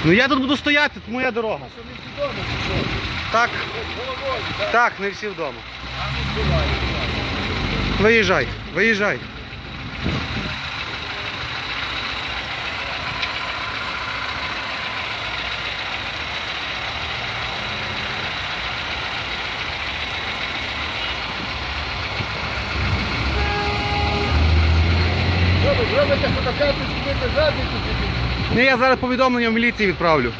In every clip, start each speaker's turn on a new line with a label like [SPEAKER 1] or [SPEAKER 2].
[SPEAKER 1] Ну я тут буду стояти, тут моя дорога.
[SPEAKER 2] А що, не всі вдома, чи що?
[SPEAKER 1] Так,
[SPEAKER 2] Головою, так?
[SPEAKER 1] так, не всі вдома.
[SPEAKER 2] А не буває.
[SPEAKER 1] Виїжджай, виїжджай.
[SPEAKER 2] Що ви зробите фотокарту, скинете задницю собі?
[SPEAKER 1] Ні, я зараз повідомлення в міліції відправлю.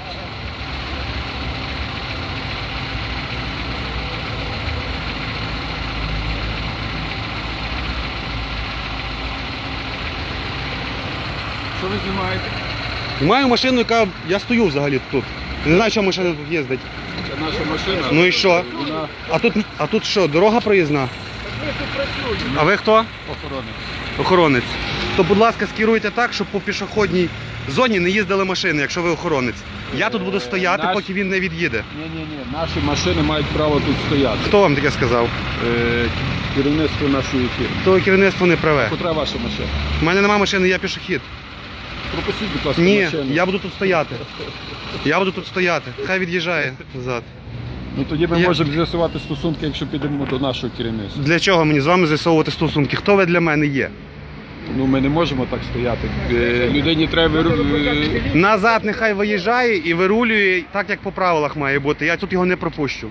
[SPEAKER 2] Що ви знімаєте?
[SPEAKER 1] Маю машину, яка... Я стою взагалі тут. Не знаю, що машина тут їздить.
[SPEAKER 2] Це наша машина.
[SPEAKER 1] Ну і що?
[SPEAKER 2] Вона
[SPEAKER 1] А тут що, дорога проїзна?
[SPEAKER 2] ми тут працюємо.
[SPEAKER 1] А ви хто?
[SPEAKER 2] Охоронець.
[SPEAKER 1] Охоронець. То, будь ласка, скеруйте так, щоб по пішохідній зоні не їздили машини, якщо ви охоронець. Я тут буду стояти,
[SPEAKER 2] Наш-
[SPEAKER 1] поки він не від'їде.
[SPEAKER 2] Ні, наші машини мають право тут стояти.
[SPEAKER 1] Хто вам таке сказав?
[SPEAKER 2] Керівництво нашої фірми.
[SPEAKER 1] То керівництво не праве.
[SPEAKER 2] Котра ваша машина?
[SPEAKER 1] У мене немає машини, я пішохід.
[SPEAKER 2] Пропустіть, будь ласка,
[SPEAKER 1] Ні,
[SPEAKER 2] машину.
[SPEAKER 1] я буду тут стояти. Я буду тут стояти. Хай від'їжджає назад.
[SPEAKER 2] Ну тоді ми
[SPEAKER 1] Я-
[SPEAKER 2] можемо з'ясувати стосунки, якщо підемо до нашого керівництва.
[SPEAKER 1] Для чого мені з вами з'ясовувати стосунки? Хто ви для мене є?
[SPEAKER 2] Ну ми не можемо так стояти. Людині треба
[SPEAKER 1] Назад нехай виїжджає і вирулює так, як по правилах має бути. Я тут його не пропущу.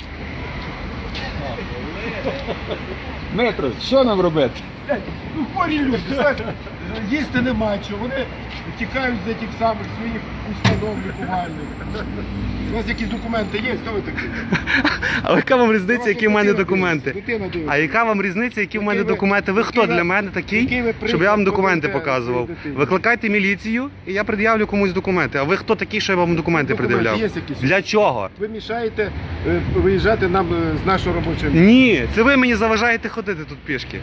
[SPEAKER 2] Метро, що нам робити?
[SPEAKER 3] Ну, хворі люди, знаєш, їсти нема чого, вони тікають з тих самих своїх установ лікувальних. У вас якісь документи є? Хто ви такі?
[SPEAKER 1] А яка вам різниця, які в мене
[SPEAKER 3] Дитина
[SPEAKER 1] документи?
[SPEAKER 3] дивиться, дитина дивиться.
[SPEAKER 1] А яка вам різниця, які в мене
[SPEAKER 3] Який ви-
[SPEAKER 1] документи? Ви хто
[SPEAKER 3] який ви-
[SPEAKER 1] для мене такий,
[SPEAKER 3] який ви
[SPEAKER 1] щоб я вам
[SPEAKER 3] приклад
[SPEAKER 1] документи
[SPEAKER 3] подаєте
[SPEAKER 1] показував?
[SPEAKER 3] своїй дитині?
[SPEAKER 1] Викликайте міліцію і я пред'явлю комусь документи. А ви хто такий, що я вам документи
[SPEAKER 3] Документи
[SPEAKER 1] пред'являв?
[SPEAKER 3] є якісь?
[SPEAKER 1] Для чого?
[SPEAKER 3] Ви мішаєте виїжджати нам з нашого робочого місця.
[SPEAKER 1] Ні, це ви мені заважаєте ходити тут пішки.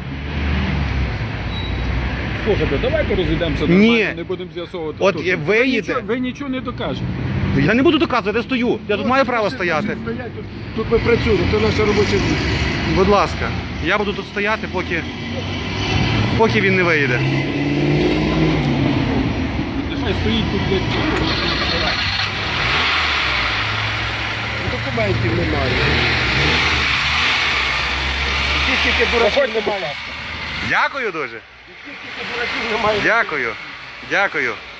[SPEAKER 2] Слухайте, давайте розійдемося
[SPEAKER 1] Ні.
[SPEAKER 2] нормально, не будемо з'ясовувати.
[SPEAKER 1] От
[SPEAKER 2] стосунки.
[SPEAKER 1] ви їдете.
[SPEAKER 2] Ви нічого не докажете.
[SPEAKER 1] Я не буду доказувати, я стою. Я тут
[SPEAKER 3] Ну,
[SPEAKER 1] маю право
[SPEAKER 3] машини
[SPEAKER 1] стояти.
[SPEAKER 3] стоять, тут ми працюємо, це наше робоче місце.
[SPEAKER 1] Будь ласка, я буду тут стояти, поки він не виїде.
[SPEAKER 2] Нехай стоїть тут як.
[SPEAKER 3] Документів немає. Скільки дураків немає.
[SPEAKER 1] Дякую дуже.
[SPEAKER 3] Скільки дураків немає.
[SPEAKER 1] Дякую. Дякую.